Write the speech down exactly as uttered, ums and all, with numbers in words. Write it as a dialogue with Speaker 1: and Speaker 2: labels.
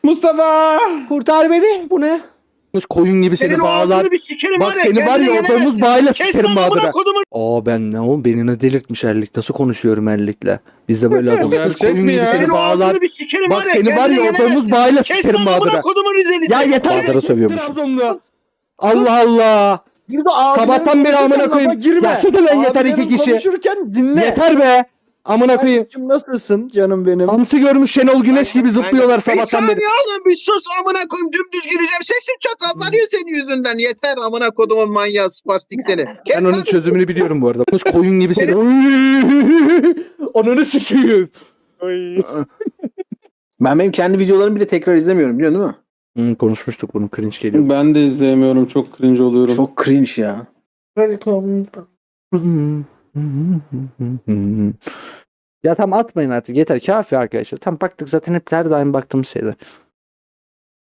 Speaker 1: Mustafa!
Speaker 2: Kurtar beni. Bu ne? Koyun gibi seni
Speaker 3: Senin o
Speaker 2: bağlar.
Speaker 3: ağzını bir sikerim
Speaker 2: Bak
Speaker 3: var ya,
Speaker 2: seni var
Speaker 3: kendine
Speaker 2: ya
Speaker 3: gelemezsin.
Speaker 2: odamız bağıyla
Speaker 3: Kes
Speaker 2: sikerim
Speaker 3: lan amına
Speaker 2: Bahadır'a.
Speaker 3: kodumun.
Speaker 2: Aa ben ne oğlum beni ne delirtmiş Erlik. Nasıl konuşuyorum Erlik'le? Biz de böyle adamız.
Speaker 1: Gerçek
Speaker 2: Koyun
Speaker 1: mi
Speaker 2: gibi
Speaker 1: ya?
Speaker 2: seni
Speaker 3: Senin o
Speaker 2: bağlar.
Speaker 3: ağzını bir sikerim
Speaker 2: Bak
Speaker 3: var ya,
Speaker 2: seni var
Speaker 3: kendine
Speaker 2: ya odamız
Speaker 3: gelemezsin.
Speaker 2: bağıyla
Speaker 3: Kes
Speaker 2: sikerim
Speaker 3: lan amına
Speaker 2: Bahadır'a.
Speaker 3: kodumun Rizelisi.
Speaker 2: Ya yeter. Bahadır'a sövüyormuş.
Speaker 1: Trabzonlu.
Speaker 2: Allah Allah.
Speaker 1: Bir de abilerin
Speaker 2: Sabahtan beri amına
Speaker 1: konuşurken
Speaker 2: koyayım.
Speaker 1: lafa girme.
Speaker 2: Ya sus lan yeter
Speaker 1: Abilerin
Speaker 2: iki kişi.
Speaker 1: konuşurken dinle.
Speaker 2: Yeter be. Amına koyayım.
Speaker 1: Kardeşim nasılsın canım benim?
Speaker 2: Hamsi görmüş Şenol Güneş gibi zıplıyorlar
Speaker 3: Bir
Speaker 2: sabahtan beri.
Speaker 3: saniye oğlum, bir sus amına koyayım, dümdüz gireceğim. Sesim çatallanıyor senin yüzünden. Yeter amına kodumun manyağı spastik seni. Kes
Speaker 2: Ben
Speaker 3: lan.
Speaker 2: onun çözümünü biliyorum bu arada. Koyun gibi seni. Ananı sikeyim.
Speaker 4: Ben benim kendi videolarımı bile tekrar izlemiyorum, biliyorsun değil mi?
Speaker 2: Hmm, konuşmuştuk bunu, cringe geliyor.
Speaker 1: Ben de izleyemiyorum. Çok cringe oluyorum.
Speaker 4: Çok cringe ya.
Speaker 1: Welcome.
Speaker 2: Ya tam atmayın artık yeter kafi arkadaşlar. Tam baktık zaten hep her daim baktığımız şeyler.